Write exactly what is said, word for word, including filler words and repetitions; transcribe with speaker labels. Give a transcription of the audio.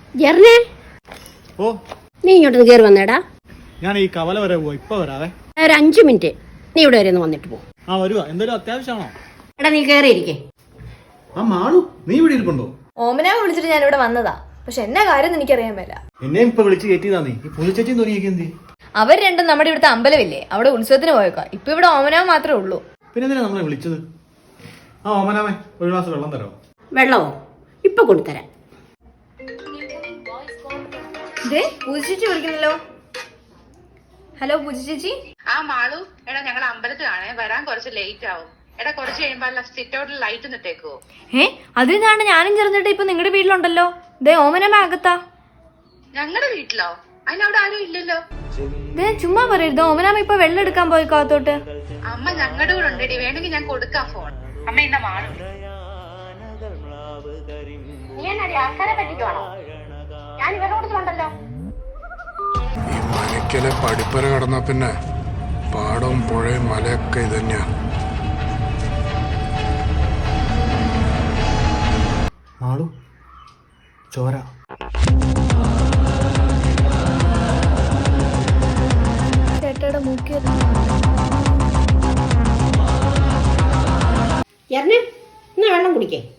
Speaker 1: ജെറിനെ,
Speaker 2: ഓ
Speaker 1: നീ ഇങ്ങോട്ട് കയറി വന്നേടാ.
Speaker 2: ഞാൻ ഈ കവല വരെ പോവാ, ഇപ്പൊ വരാവേ.
Speaker 1: ഒരു അഞ്ചു മിനിറ്റ് നീ ഇവിടെ വരെ ഒന്ന് വന്നിട്ട് പോ.
Speaker 2: ആ വരുവാ, എന്തെങ്കിലും അത്യാവശ്യമാണോ?
Speaker 1: എടാ നീ കയറിയിരിക്കേ.
Speaker 2: ആ മാളു, നീ ഇവിടെ ഇരിപ്പുണ്ടോ?
Speaker 3: ഓമനാവ് വിളിച്ചിട്ട് ഞാൻ ഇവിടെ വന്നതാ, പക്ഷെ എന്നാ കാര്യം എനിക്കറിയാൻ പറ്റില്ല.
Speaker 2: എന്നെ ഇപ്പൊ വിളിച്ച് കയറ്റിയതാ നീ. ഈ പുലിച്ചേച്ചിയും തോന്നിയൊക്കെ എന്തി?
Speaker 3: അവർ രണ്ടും നമ്മുടെ ഇവിടുത്തെ അമ്പലമില്ലേ, അവിടെ ഉത്സവത്തിന് പോയേക്കാം. ഇപ്പൊ ഇവിടെ ഓമനാവ് മാത്രമേ ഉള്ളൂ.
Speaker 2: പിന്നെ എന്തിനാ നമ്മളെ വിളിച്ചത്? ആ ഓമനാമേ, ഒരു ഗ്ലാസ് വെള്ളം തരാമോ?
Speaker 1: വെള്ളമോ? ഇപ്പൊ കൊണ്ടുതരാം.
Speaker 3: പൂജ ചേച്ചി വിളിക്കുന്നല്ലോ. ഹലോ പൂജ ചേച്ചി.
Speaker 4: ആ മാളു, എടാ ഞങ്ങൾ അമ്പലത്തിലാണേ, വരാൻ കുറച്ച് ലേറ്റ് ആവും. എടാ കുറച്ച് കഴിയുമ്പോ സിറ്റ് ഔട്ടിൽ ലൈറ്റ് നിട്ടേക്കോ?
Speaker 3: ഏ അതിനാണ് ഞാനും ചെറുതിട്ട് ഇപ്പൊ നിങ്ങളുടെ വീട്ടിലുണ്ടല്ലോ. ദേ ഓമനമ്മ അകത്താ.
Speaker 4: ഞങ്ങളുടെ വീട്ടിലോ? അതിനവിടെ ആരും ഇല്ലല്ലോ.
Speaker 3: ദേ ചുമ്മാ പറയരുത്, ഓമനാമ്മ ഇപ്പൊ വെള്ളം എടുക്കാൻ പോയി കാത്തോട്ട്.
Speaker 4: അമ്മ ഞങ്ങളുടെ കൂടെ ഉണ്ടടി, വേണമെങ്കിൽ ഞാൻ കൊടുക്കാം ഫോൺ. അമ്മ ഇന്ന മാളു, നീ എന്നാടി ആൾക്കാരെ പറ്റിക്കുവാണോ? ഞാൻ ഇവരുടെ കൂട്ടത്തിലുണ്ടല്ലോ.
Speaker 5: ഈ മനക്കലെ പടിപ്പര കടന്ന പിന്നെ പാടവും പുഴയും മലയൊക്കെ ഇതന്നെയാ.
Speaker 2: മാളു, ചോര.
Speaker 3: ചേട്ടയുടെ മൂക്കിയത്.
Speaker 1: ജെറിനെ, എന്നാ വെള്ളം കുടിക്കേ.